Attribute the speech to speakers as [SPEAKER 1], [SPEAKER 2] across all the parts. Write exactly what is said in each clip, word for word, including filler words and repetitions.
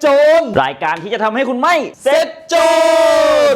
[SPEAKER 1] โจรรายการที่จะทำให้คุณไม่เสร็จโจร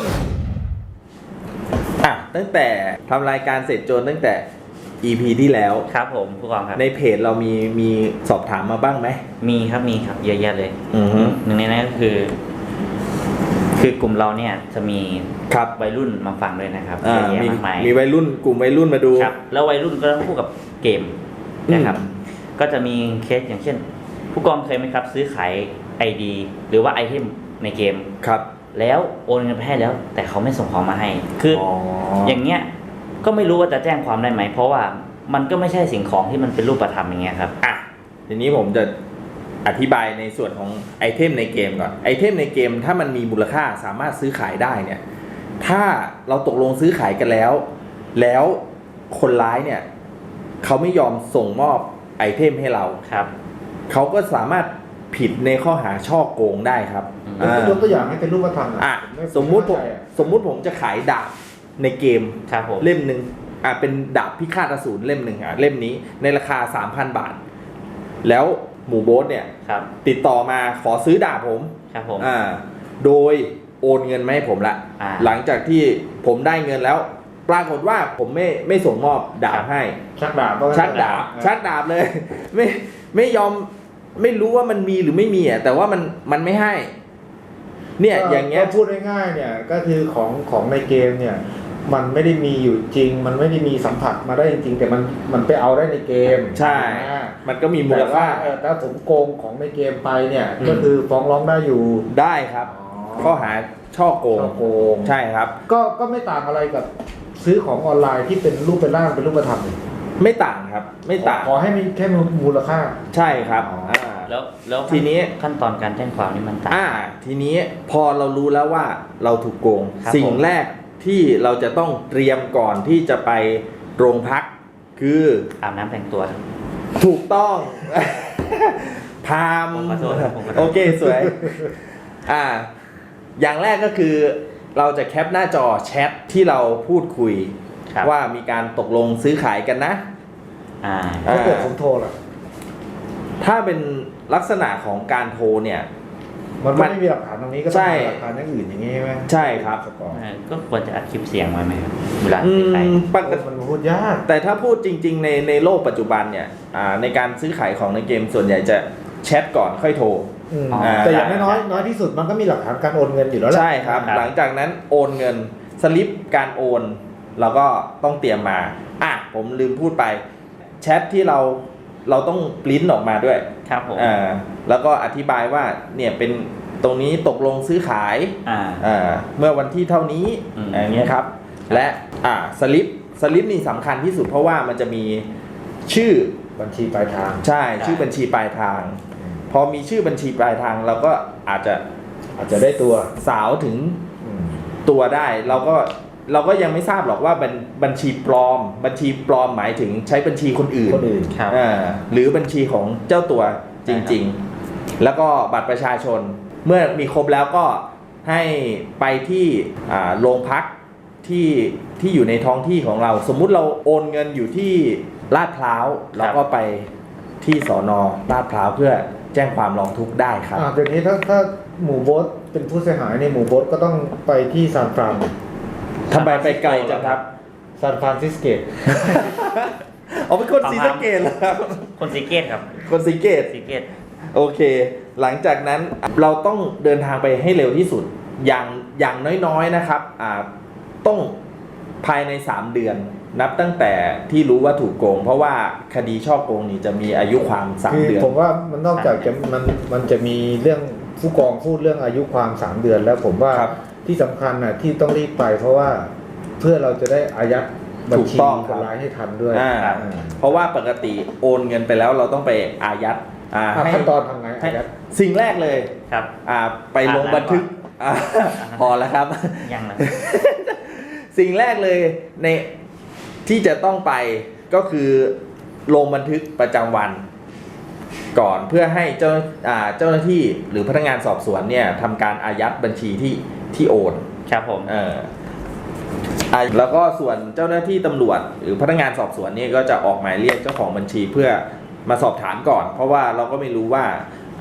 [SPEAKER 2] อ่ะตั้งแต่ทำรายการเสร็จโจรตั้งแต่ อี พี ที่แล้ว
[SPEAKER 1] ครับผมผู้กองครับ
[SPEAKER 2] ในเพจเรามีมีสอบถามมาบ้างไหม
[SPEAKER 1] มีครับมีครับเยอะแยะเลย
[SPEAKER 2] อือฮึ
[SPEAKER 1] หนึ่งในนั้นก็คือ คือกลุ่มเราเนี่ยจะมี
[SPEAKER 2] ครับ
[SPEAKER 1] วัยรุ่นมาฟังด้วยนะครับ
[SPEAKER 2] เยอะ
[SPEAKER 1] แยะ
[SPEAKER 2] มี
[SPEAKER 1] มากมาย
[SPEAKER 2] มีวัยรุ่นกลุ่มวัยรุ่นมาดู
[SPEAKER 1] ครับแล้ววัยรุ่นก็ต้องคู่กับเกมนะครับก็จะมีเคสอย่างเช่นผู้กองเคยไหมครับซื้อขาย ไอ ดี หรือว่าไอเทมในเกม
[SPEAKER 2] ครับ
[SPEAKER 1] แล้วโอนเงินไปให้แล้วแต่เขาไม่ส่งของมาให้คืออ
[SPEAKER 2] อ
[SPEAKER 1] อย่างเงี้ยก็ไม่รู้ว่าจะแจ้งความได้ไหมเพราะว่ามันก็ไม่ใช่สิ่งของที่มันเป็นรูปธรรมอย่างเงี้ยครับ
[SPEAKER 2] อ่ะทีนี้ผมจะอธิบายในส่วนของไอเทมในเกมก่อนไอเทมในเกมถ้ามันมีมูลค่าสามารถซื้อขายได้เนี่ยถ้าเราตกลงซื้อขายกันแล้วแล้วคนร้ายเนี่ยเขาไม่ยอมส่งมอบไอเทมให้เรา
[SPEAKER 1] ครับ
[SPEAKER 2] เขาก็สามารถผิดในข้อหาช่อโกงได้ครับ
[SPEAKER 3] ยกตัวอย่างให้เป็นรูปธรรม
[SPEAKER 2] อ่ะสมมุติผมสมมุติผมจะขายดาบในเกมเล่มหนึ่งอ่ะเป็นดาบพิฆาตอสูรเล่มหนึ่งอ่ะเล่มนี้ในราคา สามพัน บาทแล้วหมู่โบ๊ทเนี่ยติดต่อมาขอซื้อดาบผม
[SPEAKER 1] ครับผม
[SPEAKER 2] อ่าโดยโอนเงินมาให้ผมละหลังจากที่ผมได้เงินแล้วปรากฏว่าผมไม่ไม่ส่งมอบดาบให้
[SPEAKER 3] ชักดาบ
[SPEAKER 2] ชักดาบชักดาบเลยไม่ไม่ยอมไม่รู้ว่ามันมีหรือไม่มีอ่ะแต่ว่ามันมันไม่ให้เนี่ยอย่างเงี้ย
[SPEAKER 3] พูดง่ายๆเนี่ยก็คือของของในเกมเนี่ยมันไม่ได้มีอยู่จริงมันไม่ได้มีสัมผัสมาได้จริงแต่มันมันไปเอาได้ในเกม
[SPEAKER 2] ใช่มันก็มีมูลค่า
[SPEAKER 3] ถ้าผมโกงของในเกมไปเนี่ยก็คือฟ้องร้องได้อยู่
[SPEAKER 2] ได้ครับข้อหาช่อโกง
[SPEAKER 3] โกง
[SPEAKER 2] ใช่ครับ
[SPEAKER 3] ก็ก็ไม่ต่างอะไรกับซื้อของออนไลน์ที่เป็นรูปเป็นร่างเป็นรูปธรรม
[SPEAKER 2] ไม่ต่างครับไม่ต่าง
[SPEAKER 3] ขอให้มีแค่มูลค่า
[SPEAKER 2] ใช่ครับ
[SPEAKER 1] แล้วแล้ว
[SPEAKER 2] ทีนี้
[SPEAKER 1] ขั้นตอนการแจ้งความนี่มันต่าง
[SPEAKER 2] อ่าทีนี้พอเรารู้แล้วว่าเราถูกโกงสิ่งแรกที่เราจะต้องเตรียมก่อนที่จะไปโรงพักคือ
[SPEAKER 1] อาบน้ำแต่งตัว
[SPEAKER 2] ถูกต้องพามโอเคสวยอ่าอย่างแรกก็คือเราจะแคปหน้าจอแชทที่เราพูดคุยว่ามีการตกลงซื้อขายกันนะ
[SPEAKER 1] อ่า
[SPEAKER 3] ถ้าเกิดผมโทรล่ะ
[SPEAKER 2] ถ้าเป็นลักษณะของการโทรเนี่ย
[SPEAKER 3] มันไม่มีหลักฐานตรงนี้ก็ต้องมีหลักฐานอย่างอื่นอย่างนี้ใช่ไหม
[SPEAKER 2] ใช่ครับ
[SPEAKER 1] ก็ควรจะอัดคลิปเสียงไว้ไหมครับเวลา
[SPEAKER 2] ไป
[SPEAKER 3] ปกติมันพูดยาก
[SPEAKER 2] แต่ถ้าพูดจริงๆในในโลกปัจจุบันเนี่ยในการซื้อขายของในเกมส่วนใหญ่จะแชทก่อนค่อยโทร
[SPEAKER 3] แต่อย่างน้อยน้อยที่สุดมันก็มีหลักฐานการโอนเงินอยู่แล้วแหละ
[SPEAKER 2] ใช่ครับหลังจากนั้นโอนเงินสลิปการโอนเราก็ต้องเตรียมมาอ่ะผมลืมพูดไปแชทที่เราเราต้องปริ้นออกมาด้วย
[SPEAKER 1] ครับผม
[SPEAKER 2] อ่าแล้วก็อธิบายว่าเนี่ยเป็นตรงนี้ตกลงซื้อขาย
[SPEAKER 1] อ่า
[SPEAKER 2] อ่าเมื่อวันที่เท่านี้อย่างเงี้ยครับและอ่าสลิปสลิปนี่สำคัญที่สุดเพราะว่ามันจะมีชื่อ
[SPEAKER 3] บัญชีปลายทาง
[SPEAKER 2] ใช่ชื่อบัญชีปลายทางพอมีชื่อบัญชีปลายทางเราก็อาจจะ
[SPEAKER 3] อาจจะได้ตัว
[SPEAKER 2] สาวถึงตัวได้เราก็เราก็ยังไม่ทราบหรอกว่าเป็นบัญชีปลอมบัญชีปลอมหมายถึงใช้บัญชีคนอื่น
[SPEAKER 3] คนอื่น
[SPEAKER 2] ครับหรือบัญชีของเจ้าตัวจริงๆแล้วก็บัตรประชาชนเมื่อมีครบแล้วก็ให้ไปที่โรงพักที่ที่อยู่ในท้องที่ของเราสมมุติเราโอนเงินอยู่ที่ลาดพร้าวเราก็ไปที่สน.ลาดพร้าวเพื่อแจ้งความร้องทุกข์ได้ครับ
[SPEAKER 3] อ่าเดี๋ยวนี้ถ้าถ้าหมู่โบ๊ทเป็นผู้เสียหายในหมู่โบ๊ทก็ต้องไปที่ซานฟราน
[SPEAKER 2] ทำไมไปไกลจังครับ
[SPEAKER 3] ซานฟรานซิสเกต
[SPEAKER 2] เอาเป็นคนศรีสะเกษเหรอครับ
[SPEAKER 1] คนศรีเกษครับ
[SPEAKER 2] คนศรีเกษ
[SPEAKER 1] ศรีเกษ
[SPEAKER 2] โอเคหลังจากนั้นเราต้องเดินทางไปให้เร็วที่สุดอย่างอย่างน้อยๆนะครับอ่าต้องภายในสามเดือนนับตั้งแต่ที่รู้ว่าถูกโกงเพราะว่าคดีช่อโกงนี่จะมีอายุความสามเดือน
[SPEAKER 3] ผมว่ามันนอกจากจะมันมันจะมีเรื่องผู้กองพูดเรื่องอายุความสามเดือนแล้วผมว่าที่สำคัญน่ะที่ต้องรีบไปเพราะว่าเพื่อเราจะได้อายัดบัญชีคนร้ายให้ทันด้วย
[SPEAKER 2] เพราะว่าปกติโอนเงินไปแล้วเราต้องไปอายัด
[SPEAKER 3] ขั้นตอนทำไงอายัด
[SPEAKER 2] สิ่งแรกเลย
[SPEAKER 1] ครับ
[SPEAKER 2] ไปลงบันทึกพอแล้วครับ
[SPEAKER 1] ยังนะ
[SPEAKER 2] สิ่งแรกเลยในที่จะต้องไปก็คือลงบันทึกประจำวันก่อนเพื่อให้เจ้าเจ้าหน้าที่หรือพนักงานสอบสวนเนี่ยทำการอายัดบัญชีที่ที่โอน
[SPEAKER 1] ครับผม
[SPEAKER 2] เออแล้วก็ส่วนเจ้าหน้าที่ตำรวจหรือพนักงานสอบสวนเนี่ยก็จะออกหมายเรียกเจ้าของบัญชีเพื่อมาสอบถามก่อนเพราะว่าเราก็ไม่รู้ว่า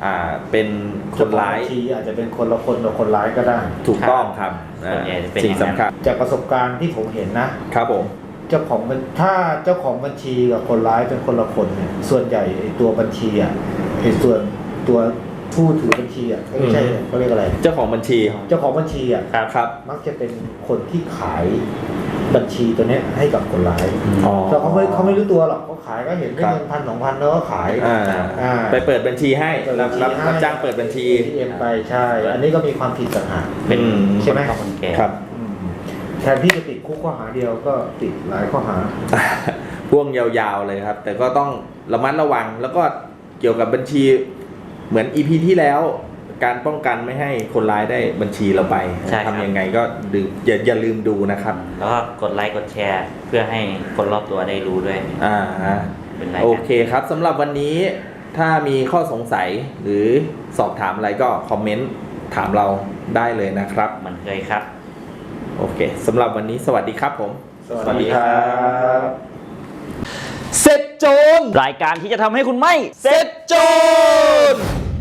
[SPEAKER 2] อ่าเป็นคนร้าย
[SPEAKER 3] เจ้ของบัญชีอาจจะเป็นคนละคนกับคนร้ายก็ได้
[SPEAKER 2] ถูกต้องครับ
[SPEAKER 1] ส่วนใหญ่จะเป็น
[SPEAKER 2] สิ่ง
[SPEAKER 1] อย่างนั้น
[SPEAKER 2] สำคัญ
[SPEAKER 3] จากประสบการณ์ที่ผมเห็นนะครับ
[SPEAKER 2] ผม
[SPEAKER 3] เจ้าของบัญถ้าเจ้าของบัญชีกับคนร้ายเป็นคนละคนเนี่ยส่วนใหญ่ไอ้ตัวบัญชีอ่ะไอ้ส่วนตัวผู้ถือบัญชีอ่ะไม่ใช่เขาเรียกอะไร
[SPEAKER 2] เจ้าของบัญชี
[SPEAKER 3] เจ้าของบัญชีอ่ะ
[SPEAKER 1] ครับ
[SPEAKER 2] ครับ
[SPEAKER 3] มักจะเป็นคนที่ขายบัญชีตัวเนี้ยให้กับคนร้าย
[SPEAKER 2] อ๋อ
[SPEAKER 3] แต่เขาไม่เขาไม่รู้ตัวหรอกเขาขายก็เห็นได้
[SPEAKER 2] ครับ
[SPEAKER 3] เงินพันสองพันแล้วก็ขาย
[SPEAKER 2] อ่า
[SPEAKER 3] อ่า
[SPEAKER 2] ไปเปิดบัญชีให้
[SPEAKER 3] เปิด
[SPEAKER 2] รั
[SPEAKER 3] บั
[SPEAKER 2] บ
[SPEAKER 3] ญชี
[SPEAKER 2] รับ
[SPEAKER 3] ให้
[SPEAKER 2] รับจ้างเปิดบัญชี
[SPEAKER 3] เอ็มไปใช่ อันนี้ก็มีความผิดต่างหาก
[SPEAKER 1] เป็น
[SPEAKER 2] อืม
[SPEAKER 3] ใช่ไหม
[SPEAKER 1] คนเฒ่าคนแก่
[SPEAKER 2] ครับ
[SPEAKER 3] อืมแทนที่จะติดคุกข้อหาเดียวก็ติดหลายข้อหา
[SPEAKER 2] พ่วงยาวๆเลยครับ แต่ก็ต้องระมัดระวังแล้วก็เกี่ยวกับบัญชีเหมือน อี พี ที่แล้ว การป้องกันไม่ให้คนร้ายได้บัญชีเราไป
[SPEAKER 1] ใช่ครับ
[SPEAKER 2] ทำยังไงก็ดูอย่าอย่าลืมดูนะครับ
[SPEAKER 1] แล้วก็กดไลค์กดแชร์ เพื่อให้คนรอบตัวได้รู้ด้วย
[SPEAKER 2] อ่าฮะ
[SPEAKER 1] เป็นรายการ
[SPEAKER 2] โอเคครับสำหรับวันนี้ถ้ามีข้อสงสัยหรือสอบถามอะไรก็คอมเมนต์ถามเราได้เลยนะครับ
[SPEAKER 1] เหมือนเคยครับ
[SPEAKER 2] โอเคสำหรับวันนี้สวัสดีครับผม
[SPEAKER 3] สวัสดีครับ
[SPEAKER 2] เสร็จโจร
[SPEAKER 1] รายการที่จะทำให้คุณไม่
[SPEAKER 2] เสร็จโจร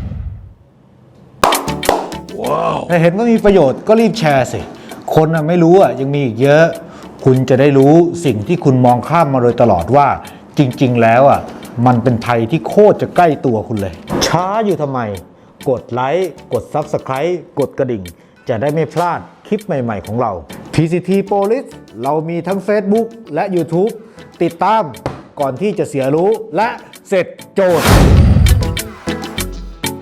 [SPEAKER 4] ถ้าเห็นว่ามีประโยชน์ก็รีบแชร์สิ คนน่ะไม่รู้อ่ะยังมีอีกเยอะ คุณจะได้รู้สิ่งที่คุณมองข้ามมาโดยตลอดว่า จริงๆแล้วอ่ะมันเป็นภัยที่โคตรจะใกล้ตัวคุณเลย ช้าอยู่ทำไม กดไลค์ กด Subscribe กดกระดิ่ง จะได้ไม่พลาดคลิปใหม่ๆของเรา พี ซี ที Police เรามีทั้ง Facebook และ YouTube ติดตามก่อนที่จะเสียรู้และเสร็จโจทย์